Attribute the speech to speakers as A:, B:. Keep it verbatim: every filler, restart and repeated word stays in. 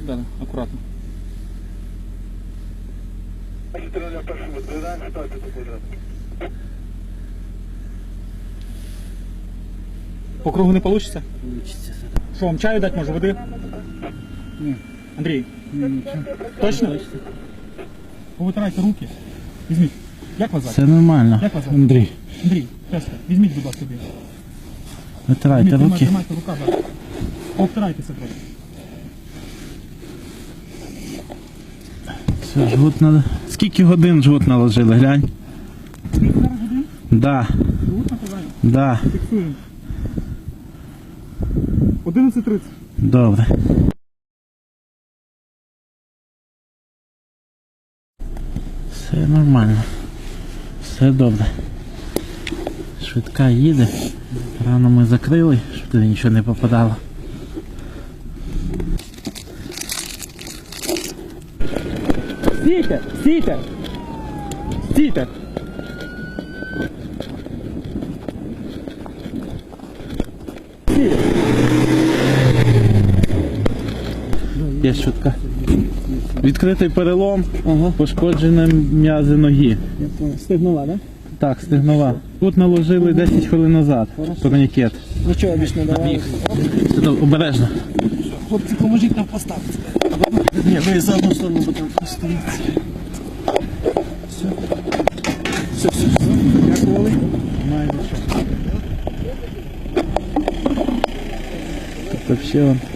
A: Да, да, акуратно. По кругу не вийде?
B: Получится.
A: Що, вам чаю дати, може, води?
B: Ні.
A: Андрій,
B: Ні, нічого.
A: точно? Повитирайте руки. Візьміть. Як вас звати?
B: Все нормально.
A: Як вас звати?
B: Андрій,
A: Андрій, тесто. Візьміть, будь ласка, собі.
B: витирайте
A: Візьміть,
B: руки.
A: Тримайте, рука, так. Обтирайтеся трохи.
B: Все, жгут надо. Скільки годин жгут наложили, глянь?
A: Скільки зараз годин?
B: Да,
A: Жгут накладаємо.
B: да.
A: Фіксуємо. одинадцять тридцять.
B: Добре. Все нормально. Все добре. Швидка їде. Рано ми закрили, щоб туди нічого не попадало.
A: Стійте! Стійте! Стійте! Стійте!
B: Є швидка. Відкритий перелом, ага. Пошкоджені м'язи ноги.
A: Стигнула, так?
B: Так, стегнова. Тут наложили десять хвилин назад. Турнікет.
A: Нічого більш не давали.
B: Обережно.
A: Хлопці, поможіть нам поставити. Ні, ви за одну сторону будемо поставити. Все. Все, все, все. Дякували.
B: Майже що. Тобто ще он.